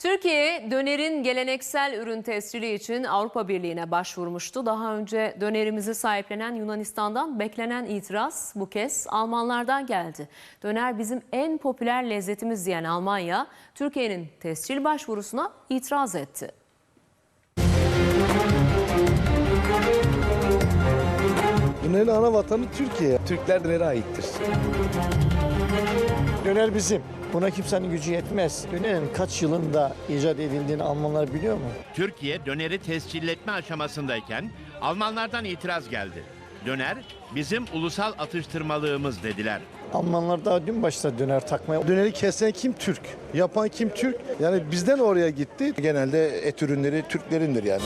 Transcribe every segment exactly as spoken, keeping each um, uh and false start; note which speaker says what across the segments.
Speaker 1: Türkiye, dönerin geleneksel ürün tescili için Avrupa Birliği'ne başvurmuştu. Daha önce dönerimizi sahiplenen Yunanistan'dan beklenen itiraz bu kez Almanlardan geldi. Döner bizim en popüler lezzetimiz diyen Almanya, Türkiye'nin tescil başvurusuna itiraz etti.
Speaker 2: Dönerin ana vatanı Türkiye. Türkler dönere aittir.
Speaker 3: Döner bizim. Buna kimsenin gücü yetmez. Dönerin kaç yılında icat edildiğini Almanlar biliyor mu?
Speaker 4: Türkiye döneri tescilletme aşamasındayken Almanlardan itiraz geldi. Döner bizim ulusal atıştırmalığımız dediler.
Speaker 3: Almanlar daha dün başladı döner takmaya.
Speaker 2: Döneri kesen kim? Türk. Yapan kim? Türk. Yani bizden oraya gitti. Genelde et ürünleri Türklerindir yani.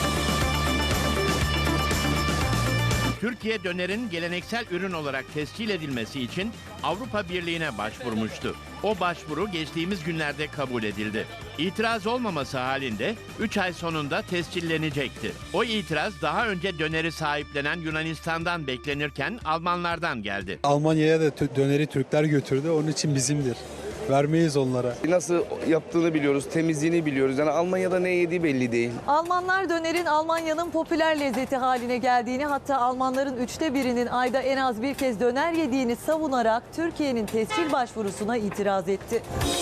Speaker 4: Türkiye dönerin geleneksel ürün olarak tescil edilmesi için Avrupa Birliği'ne başvurmuştu. O başvuru geçtiğimiz günlerde kabul edildi. İtiraz olmaması halinde üç ay sonunda tescillenecekti. O itiraz daha önce döneri sahiplenen Yunanistan'dan beklenirken Almanlardan geldi.
Speaker 5: Almanya'ya da döneri Türkler götürdü, onun için bizimdir. Vermeyiz onlara.
Speaker 6: Nasıl yaptığını biliyoruz, temizliğini biliyoruz. Yani Almanya'da ne yediği belli değil.
Speaker 7: Almanlar dönerin Almanya'nın popüler lezzeti haline geldiğini, hatta Almanların üçte birinin ayda en az bir kez döner yediğini savunarak Türkiye'nin tescil başvurusuna itiraz etti.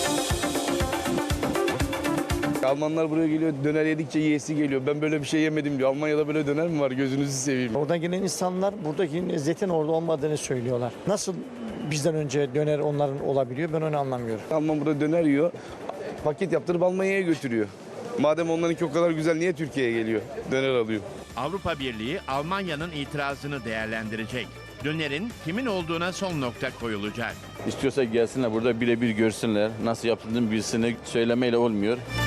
Speaker 6: Almanlar buraya geliyor, döner yedikçe yiyesi geliyor. Ben böyle bir şey yemedim diyor. Almanya'da böyle döner mi var? Gözünüzü seveyim.
Speaker 3: Oradan gelen insanlar buradaki lezzetin orada olmadığını söylüyorlar. Nasıl bizden önce döner onların olabiliyor, ben onu anlamıyorum.
Speaker 6: Alman burada döner yiyor, paket yaptırıp Almanya'ya götürüyor. Madem onlarınki o kadar güzel, niye Türkiye'ye geliyor? Döner alıyor.
Speaker 4: Avrupa Birliği Almanya'nın itirazını değerlendirecek. Dönerin kimin olduğuna son nokta koyulacak.
Speaker 8: İstiyorsa gelsinler burada birebir görsünler. Nasıl yapıldığını bilsinler. Söylemeyle olmuyor.